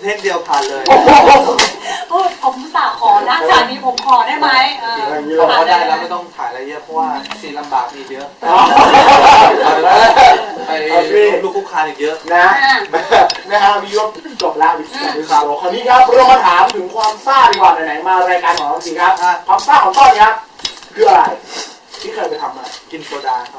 ทคเดียวผ่านเลยผมสาขอนะจากนี้ผมขอได้ไหมเขาบอกว่าได้แล้วไม่ต้องถ่ายอะไรเยอะเพราะว่าซีนลำบากมีเยอะไปลูกคุกคานอีกเยอะนะฮะวิวจบแล้วครับคราวนี้ครับเรามาถามถึงความซ่าดีกว่าไหนๆมารายการของเราจริงครับความซ่าของต้นครับคืออะไรที่เคยไปทำมากินโซดาครับ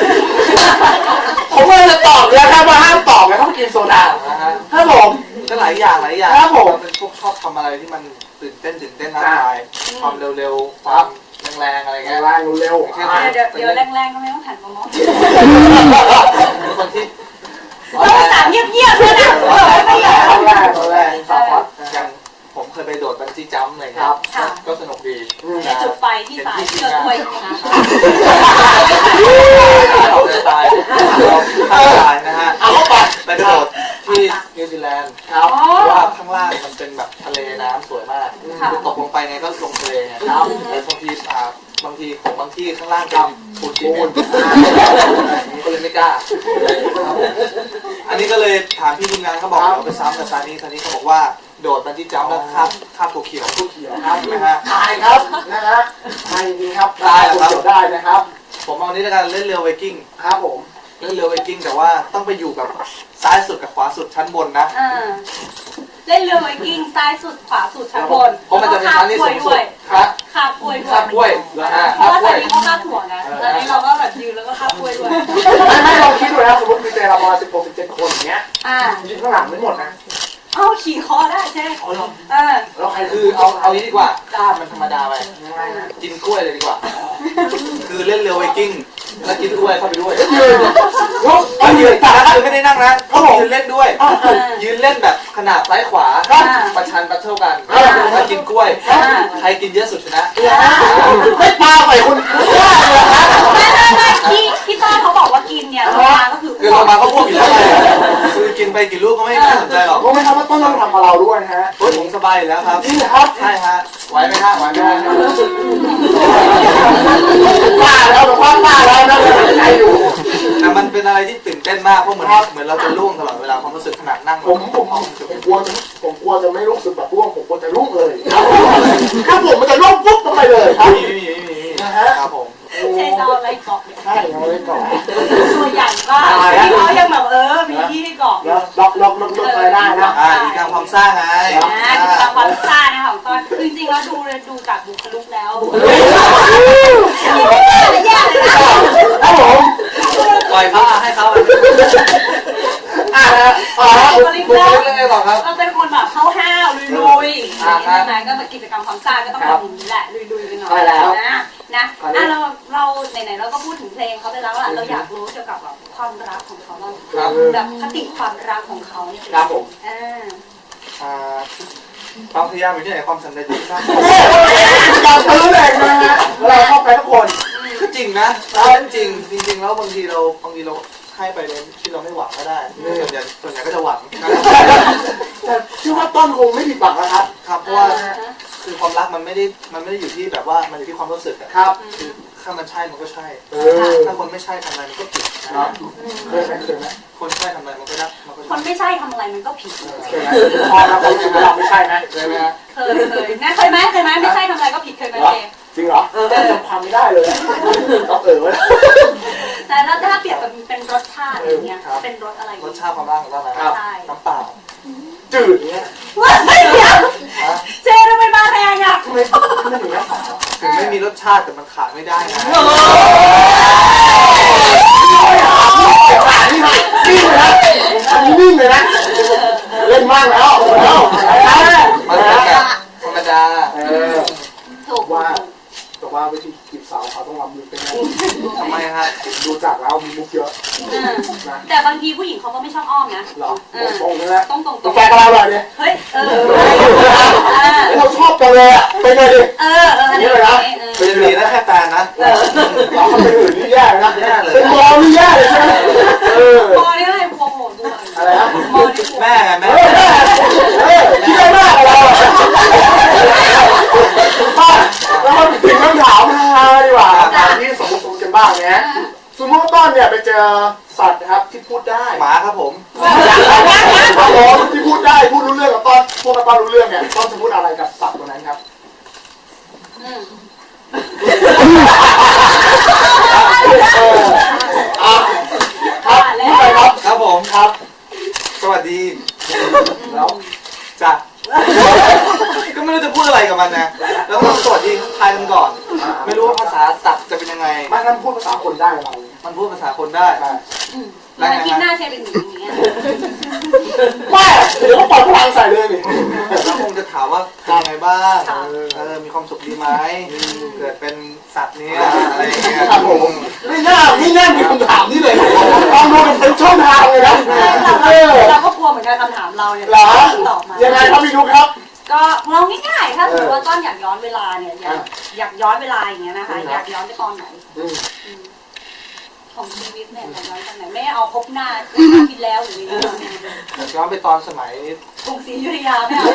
ผมไม่จะตอบเลยครับว่าห้ามตอบเลยต้องกินโซดาครับผมก็หลายอย่างครับผมเป็นพวกชอบทำอะไรที่มันตื่นเต้นท้าทายความเร็วๆความแรงๆอะไรเงี้ยแรงเร็วเดี๋ยวแรงๆก็ไม่ต้องหันมามองคนที่ต้องสามเงียบๆเลยนะแรงอย่างผมเคยไปโดดบันจี้จัมป์อะไรเงี้ยก็สนุกดีจุดไฟที่สายเชือกด้วยตายนะฮะไปโดดที่นิวซีแลนด์ว่าข้างล่างมันเป็นแบบทะเลน้ำสวยมากคือตกลงไปไงก็ลงทะเลไงแล้วบางทีข้างล่างเป็นปูนซีเมนต์ก็เลยไม่กล้าอันนี้ก็เลยถามพี่ทีมงานเขาบอกเราไปซ้ำกับซานี่เขาบอกว่าโดดบันจี้จัมป์แล้วคาบตัวเขียวครับนะฮะตายครับนะฮะตายจริงครับได้นะครับผมเอานี้แล้วกันเล่นเรือไวกิ้งครับผมเล่นเรือไวกิ้งแต่ว่าต้องไปอยู่แบบซ้ายสุดกับขวาสุดชั้นบนนะเล่นเรือไวกิ้งซ้ายสุดขวาสุดชั้นบนเพราะมันจะเป็นชั้นที่สูงสุดคาบกล้วยเพราะว่าตอนนี้เขาคาบถั่วนะตอนนี้เราก็แบบยืนแล้วก็คาบกล้วยด้วยไม่ลองคิดดูนะสมมติมีเจเราประมาณ16-17 คนอย่างเงี้ยยืนข้างหลังไม่หมดนะขี่คอได้ใช่แล้วใครคือเอานี้ดีกว่ากล้ามมันธรรมดาไปกินกล้วยเลยดีกว่าคือเล่นเรือไวกิ้งแล้วกินกล้วยเข้าไปด้วยยืนคือไม่ได้นั่งนะเขายืนเล่นด้วยยืนเล่นแบบขนาดซ้ายขวาประชันปัดเท่ากันแล้วกินกล้วยใครกินเยอะสุดชนะไม่ปาไปคุณไม่พี่ต้าเขาบอกว่ากินเนี่ยลงมาก็คือลงมาก็พูดอยู่แล้วคือกินไปกี่ลูกก็ไม่สนใจหรอกรู้ไหมครับว่าต้นเราทำกับเราด้วยฮะผมสบายอยู่แล้วครับจริงครับใช่ฮะไหวไหมฮะป้าแล้วนะใจอยู่แต่มันเป็นอะไรที่ตื่นเต้นมากเพราะเหมือนเราจะล่วงตลอดเวลาความรู้สึกขนาดนั่งผมกลัวจะไม่รู้สึกแบบล่วงผมกลัวจะล่วงเลยครับผมมันจะล่วงปุ๊บลงไปเลยครับไม่มีนะฮะครับผมใช่เราอะไรเกาะใช่เราอะไรเกาะตัวใหญ่มากที่เขายังแบบมีที่ให้เกาะล็อกไปได้นะกิจกรรมความซ่าไงกิจกรรมความซ่านะคะของต้นจริงๆแล้วดูจากบุคลิกแล้วแย่เลยนะครับผมปล่อยเขาให้เขาบุคลิกแล้วเราเป็นคนแบบห้าวๆลุยๆนะก็กิจกรรมความซ่าก็ต้องแบบนี้แหละลุยๆกันหน่อยนะเราไหนๆเราก็พูดถึงเพลงเขาไปแล้วล่ะเราอยากรู้เกี่ยวกับความรักของเขาบ้างแบบคติความรักของเขาเนี่ยครับผมความพยายามอยู่ที่ไหนความสำเร็จอยู่ที่นั่นการตื้อแรงนะฮะเราเข้าไปทุกคนคือจริงนะจริงแล้วบางทีเราให้ไปเลยที่เราไม่หวังก็ได้ส่วนใหญ่ก็จะหวังแต่ชื่อว่าต้นคงไม่ผิดหวังนะครับครับเพราะว่าคือความรักมันไม่ได้อยู่ที่แบบว่ามันอยู่ที่ความรู้สึกครับคือถ้ามันใช่มันก็ใช่ถ้าคนไม่ใช่ทำอะไรมันก็ผิดเคยไหมคนใช่ทำอะไรมันก็ได้คนไม่ใช่ทำอะไรมันก็ผิดเคยไหมพอเราเราไม่ใช่ไหมเคยไหมเคยนะเคยไหมไม่ใช่ทำอะไรก็ผิดเคยไหมจริงเหรอจำความไม่ได้เลยต้องแต่แล้วถ้าเปรียบกับเป็นรสชาติอย่างเงี้ยเป็นรสอะไรรสชาติความรักของเราน้ำเปล่าจืดเงี้ยเจทำไมมาแรงอ่ะไม่ถึงน้ำเปล่าถึงไม่มีรสชาติแต่มันขาดไม่ได้นะนิ่งเลยนะเล่นมากแล้วมันเป็นแบบธรรมดาถูกว่าวิธีจีบสาวเขาต้องรับมือเป็นไงทำไมฮะดูจากแล้วมีมุกเยอะแต่บางทีผู้หญิงเขาก็ไม่ชอบอ้อมนะหรอตรงเลยนะตรงแฟนกับเราเลยเนี่ยเฮ้ยเราชอบกันเลยอ่ะไปเลยดินี่เลยนะเป็นดีนะแค่แฟนนะเราเป็นอื่นนี่แย่นะเป็นมอนี่แย่เลยใช่ไหมมอนี่อะไรพวงโหดด้วยอะไรนะแม่ที่ได้มากเราเราถึงคำถามดีกว่าที่สมมติกันบ้างนะสมมติว่าต้นเนี่ยไปเจอสัตว์นะครับที่พูดได้หมาครับผมที่พูดได้พูดรู้เรื่องกับต้นป้าป้ารู้เรื่องเนี่ยต้องจะพูดอะไรกับสัตว์ตัวนั้นครับครับนี่ไปครับครับผมครับ สวัสดีแล้วจ้ะก็ไม่รู้จะพูดอะไรกับมันนะแล้วก็สวัสดีทักทายกันก่อน ไม่รู้ว่าภาษาสัตว์จะเป็นยังไงไม่งั้นพูดภาษาคนได้เรามันพูดภาษาคนได้แล้วที่หน้าใช้เป็นอย่างนี้ไม่เดี๋ยวเขาปล่อยพลังใส่เลยนี่แล้วคงจะถามว่าเป็นยังไงบ้างมีความสุขดีไหมเกิดเป็นสัตว์เนี้ยอะไรอย่างเงี้ยครับผมไม่น่ามีคำถามนี่เลยลองดูเป็นช่องทางเลยนะเราก็กลัวเหมือนกันคำถามเราเนี่ยหรอตอบมายังไงครับพี่นุ๊กครับก็เราง่ายๆถ้าสมมติว่าต้นอยากย้อนเวลาเนี่ยอยากย้อนเวลาอย่างเงี้ยนะคะอยากย้อนไปตอนไหนของชีวิตเนี่ยอยากย้อนตอนไหนไม่เอาพบหน้าที่แล้วหรืออะไรอยากย้อนไปตอนสมัยกรุงศรีอยุธยาไม่เอา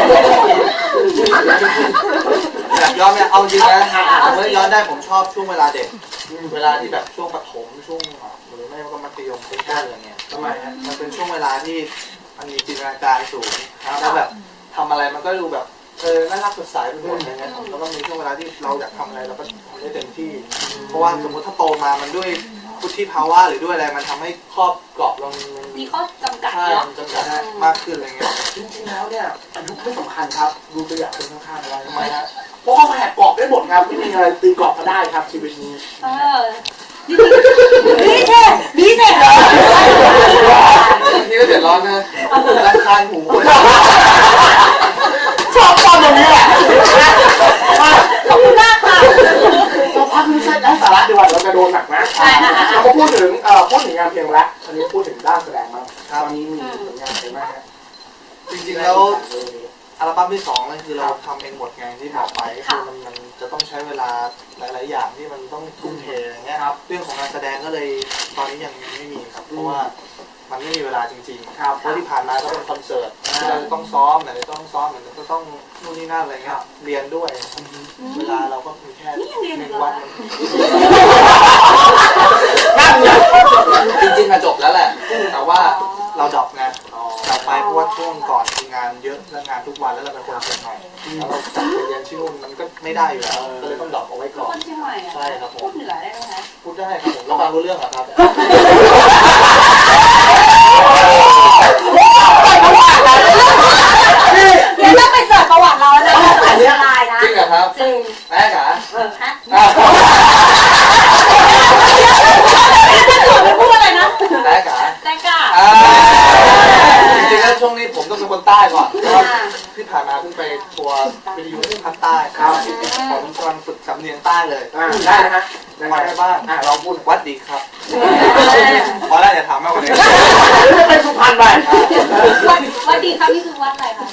อยากย้อนเนี่ยเอาจริงนะผมว่าย้อนได้ผมชอบช่วงเวลาเด็กเวลาที่แบบช่วงประถมช่วงหรือไม่ก็มัธยมต้นอะไรเงี้ยทำไมฮะมันเป็นช่วงเวลาที่มันมีจินตนาการสูงแล้วแบบทำอะไรมันก็ดูแบบน่ารักสดใสไปหมดอะไรเงี้ยแล้วก็มีช่วงเวลาที่เราอยากทำอะไรเราก็ทำได้เต็มที่เพราะว่าสมมติถ้าโตมามันด้วยพุทธิภาวะหรือด้วยอะไรมันทำให้ครอบกรอบเรามีข้อจำกัดใช่เนาะจำกัดมากขึ้นอะไรเงี้ยจริงๆแล้วเนี่ยอายุไม่สำคัญครับดูตัวอย่างคนข้างๆอะไรทำไมฮะเพราะเขาแหกกรอบได้หมดครับไม่มีอะไรตีกรอบก็ได้ครับชีวิตนี้นี่เท่นี่เท่นี่ก็เดือดร้อนนะรำคาญหูคนชอบตอนตรงนี้แหละขอบคุณมากค่ะเราพักนี้ใช่ได้สาระดีกว่าเราจะโดนหนักนะเรามาพูดถึงงานเพลงแล้วอันนี้พูดถึงด้านแสดงมาตอนนี้มีผลงานเพลงไหมฮะจริงๆแล้วอัลบั้มที่2นั่นคือเราทำเองหมดไงที่บอกไปคือมันจะต้องใช้เวลาหลายๆอย่างที่มันต้องทุ่มเทอย่างเงี้ยเรื่องของการแสดงก็เลยตอนนี้ยังไม่มีครับเพราะว่ามันไม่มีเวลาจริงๆเพราะที่ผ่านมาก็เป็นคอนเสิร์ตที่เราจะต้องซ้อมไหนจะต้องซ้อมไหนจะต้องนู่นนี่นั่นอะไรเงี้ยเรียนด้วยเวลาเราก็มีแค่1 วันนั่นไงจริงๆอะจบแล้วแหละแต่ว่าเราดรอปไงดรอปไปเพราะว่าช่วงก่อนมีงานเยอะและงานทุกวันแล้วเราเป็นคนเชียงใหม่แล้วเราจัดไปเรียนที่นู่นมันก็ไม่ได้อยู่แล้วก็เลยต้องดรอปเอาไว้ก่อนคนเชียงใหม่อะใช่ครับผมพูดเหนือได้ไหมคะพูดได้ครับผมแล้วฟังรู้เรื่องเหรอครับเดี๋ยวต้องไปเสิร์ชประวัติเราแล้วนะอันนี้ลายนะจริงเหรอครับจริงแม่จ๋าฮะพูดอะไรนะแม่จ๋าแตงกาจริงๆแล้วช่วงนี้ผมต้องเป็นคนใต้ก่อนเพราะว่าที่ผ่านมาเพิ่งไปทัวร์วิทยุที่ภาคใต้ครับผมกำลังฝึกสำเนียงใต้เลยได้นะฮะวัดอะไรบ้างเราพูดวัดดีครับพอแล้วอย่าถามมากกว่านี้ไปสุพรรณไปวัดดีครับนี่คือวัดอะไรคะ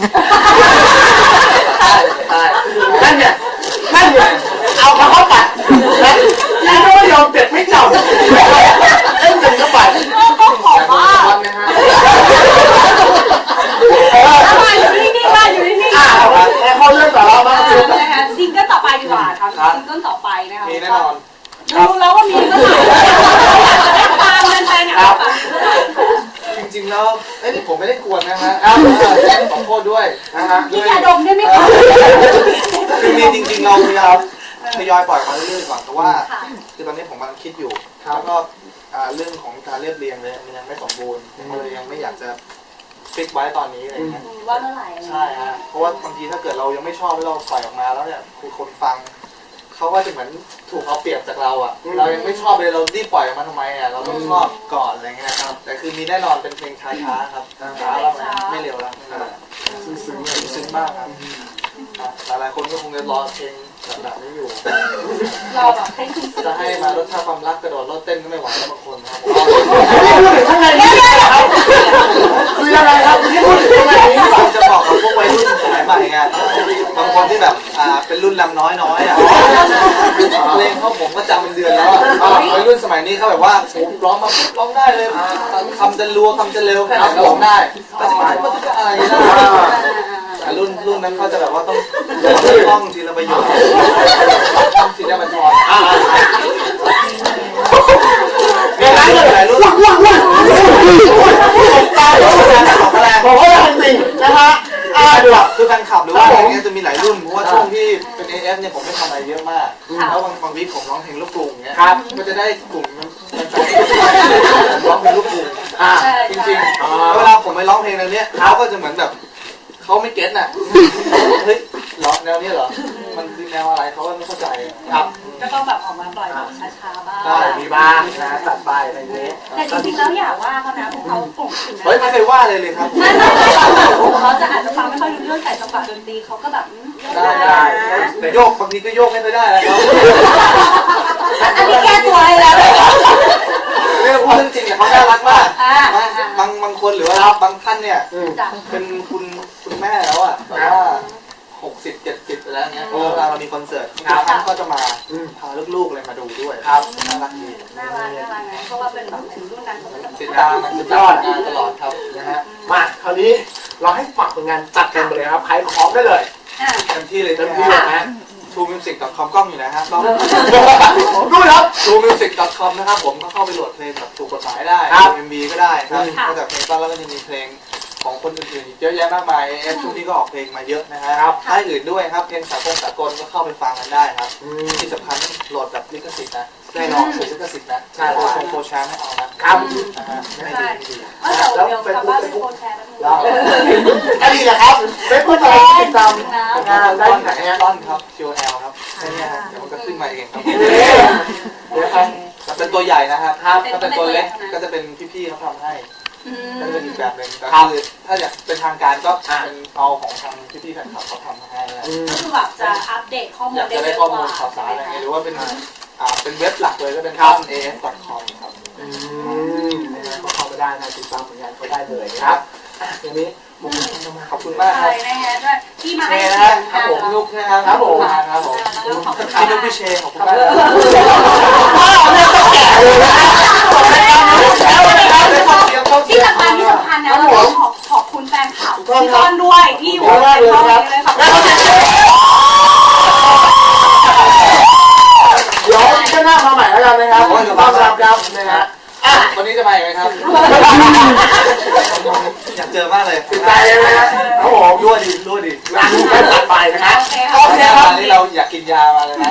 ใต้นั่นเนี่ยเอาเข้าไปแล้วก็ไม่ยอมเจ็บไม่จบเล่นจนเข้าไปก็ขอว่าวัดนะฮะมาอยู่นิ่งๆมาอยู่นิ่งๆแล้วเขาเรื่องต่อเราบ้างนะคะซิงเกิลต่อไปดีกว่าครับซิงเกิลต่อไปนะคะมีแน่นอนรู้แล้วว่ามีก็ตามกันไปเนี่ยจริงๆแล้วนี่ผมไม่ได้กวนนะฮะขอโทษด้วยนะฮะพี่ยาดมได้ไหมคะคือมีจริงๆเราพยายามทยอยปล่อยมาเรื่อยๆก่อนแต่ว่าคือตอนนี้ผมกำลังคิดอยู่แล้วก็เรื่องของการเรียบเรียงเลยมันยังไม่สมบูรณ์เลยยังไม่อยากจะฟิกไว้ตอนนี้อะไรเงี้ยว่าเมื่อไหร่ใช่ฮะเพราะว่าบางทีถ้าเกิดเรายังไม่ชอบแล้วเราปล่อยออกมาแล้วเนี่ยคือคนฟังเขาก็จะเหมือนถูกเอาเปรียบจากเราอ่ะเรายังไม่ชอบเลยเรารีบปล่อยออกมาทำไมอ่ะเราต้องชอบก่อนอะไรเงี้ยครับแต่คือมีแน่นอนเป็นเพลงช้าๆครับช้าแล้วไม่เร็วแล้วซึ้งมากครับหลายคนก็คงจะรอเพลงแบบนี้อยู่เราแบบให้คุณจะให้มารสชาติความรักกระโดดรถเต้นก็ไม่ไหวแล้วบางคนครับข้างในนี้ครับคือยังไงครับที่พูดถึงข้างในนี้ผมจะบอกกับพวกวัยรุ่นสมัยใหม่ไงบางคนที่แบบเป็นรุ่นลำน้อยอ่ะเพลงเขาผมก็จำเป็นเดือนแล้ววัยรุ่นสมัยนี้เขาแบบว่าผมร้องมาร้องได้เลยคำจะรัวคำจะเร็วแค่ไหนก็ร้องได้ก็จะมาอะไรนะแต่รุ่นนั้นเขาจะแบบว่าต้องท่องทีละประโยคท่องทีละบรรทอนมีหลายรุ่นตกใจของแรงบอกว่าจริงนะฮะคือแฟนคลับหรือว่าอะไรเงี้ยจะมีหลายรุ่นเพราะว่าช่วงที่เป็น AF เนี่ยผมไม่ทำอะไรเยอะมากแล้วบางวีคผมร้องเพลงลูกกรุงเงี้ยก็จะได้กลุ่มแฟนๆผมร้องเพลงลูกกรุงจริงๆเวลาผมไปร้องเพลงแนวเนี้ยเขาก็จะเหมือนแบบเขาไม่เก็ตน่ะเฮ้ยเหรอแนวนี้เหรอมันคือแนวอะไรเขาก็ไม่เข้าใจครับก็ต้องแบบออกมาปล่อยแบบช้าๆบ้างมีบ้างนะตัดไปอะไรอย่างนี้แต่จริงๆแล้วอย่าว่าเขานะพวกเขาโป่งถึงนะเฮ้ยไม่เคยว่าเลยครับไม่เขาจะอาจจะฟังไม่ค่อยรู้เรื่องแต่จังหวะดนตรีเขาก็แบบได้แต่โยกบางทีก็โยกไม่ได้แล้วอันนี้แก้ตัวให้แล้วเรื่องพูดจริงแต่เขาน่ารักมากบางคนหรือว่าบางท่านเนี่ยเป็นคุณแม่แล้วอ่ะแต่ว่า60-70แล้วเนี้ยเวลาเรามีคอนเสิร์ตท่านก็จะมาพาลูกๆเลยมาดูด้วยครับน่ารักดีน่ารักนะเพราะว่าเป็นแบบถึงรุ่นนั้นเขาจะติดตามงานตลอดครับนะฮะมาคราวนี้เราให้ฝากผลงานจัดกันไปเลยครับใครพร้อมได้เลยเต็มที่เลยนะTrueMusic.com กล้องอยู่นะฮะกล้องดูครับ TrueMusic.com นะครับผมก็เข้าไปโหลดเพลงแบบถูกกฎหมายได้ MV ก็ได้ครับนอกจากเพลงต้นแล้วก็จะมีเพลงของคนอื่นๆเยอะแยะมากมายช่วงนี้ก็ออกเพลงมาเยอะนะฮะค่ายอื่นด้วยครับเพลงสากลก็เข้าไปฟังกันได้ครับที่สำคัญโหลดแบบลิขสิทธิ์นะแน่นอนลิขสิทธิ์นะใช่โปรแชร์ไม่เอานะครับนะฮะไม่ได้แล้วเฟซบุ๊กแล้วอันนี้แหละครับเฟซบุ๊กอะไรติดตามงานได้ไหนฮะต้นครับ QL ครับแค่นี้ครับเดี๋ยวมันก็ขึ้นมาเองครับเป็นตัวใหญ่นะครับถ้าเป็นตัวเล็กก็จะเป็นพี่ๆเขาทำให้ก็เป็นอีกแบบหนึ่งก็คือถ้าอยากเป็นทางการก็เป็นเอาของทางพี่ๆแฟนคลับเขาทำให้ก็คือแบบจะอัปเดตข้อมูลอยากจะได้ข้อมูลข่าวสารอะไรเงี้ยหรือว่าเป็นเว็บหลักเลยก็เป็นAF.com ครับก็เข้าไปได้นะติดตามผลงานเขาได้เลยครับอย่างนี้ขอบคุณมากครับที่มาให้ครับผมลูกนะครับผมพี่ลูกพี่เชขอบคุณมากที่สำคัญนะเราต้องขอบคุณแฟนคลับพี่ต้นด้วยที่อยู่ในห้องนี้เลยค่ะเดี๋ยวจะนั่งมาใหม่แล้วกันนะครับต้อนรับครับนะฮะวันนี้จะมาอีกไหมครับอยากเจอมากเลยติดใจเลยนะครับผมรั่วดีไม่ตัดไปนะครับโอเคครับนี่เราอยากกินยามาเลยนะ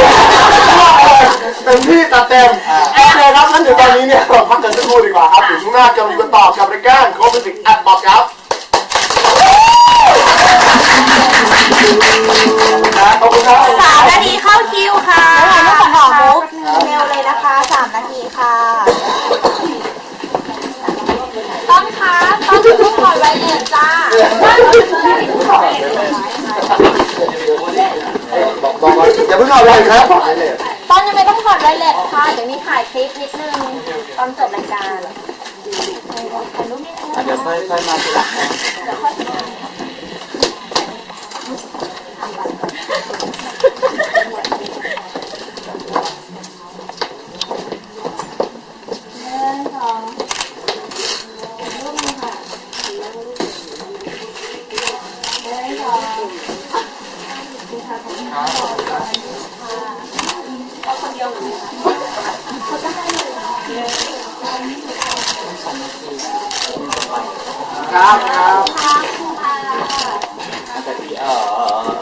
เต็มที่ตัดเต็มโอเคครับงั้นเดี๋ยวตอนนี้เนี่ยเราพักกันสักครู่ดีกว่าครับถึงช่วงหน้าจะมีกันต่อกับรายการโคมิสิกแอดบอกครับขอบคุณครับ 3 นาทีเข้าคิวค่ะแล้วขอมุกเร็วเลยนะคะ3 นาทีค่ะต้นคะต้นทุกคนไว้เงินจ้าบอกอย่าเพิ่งเอาเลยครับต้นยังไม่ต้องถอดไวเลสค่ะเดี๋ยวนี้ถ่ายคลิปนิดนึงตอนจบรายการเดี๋ยวค่อยมาทีหลังครับค่ะ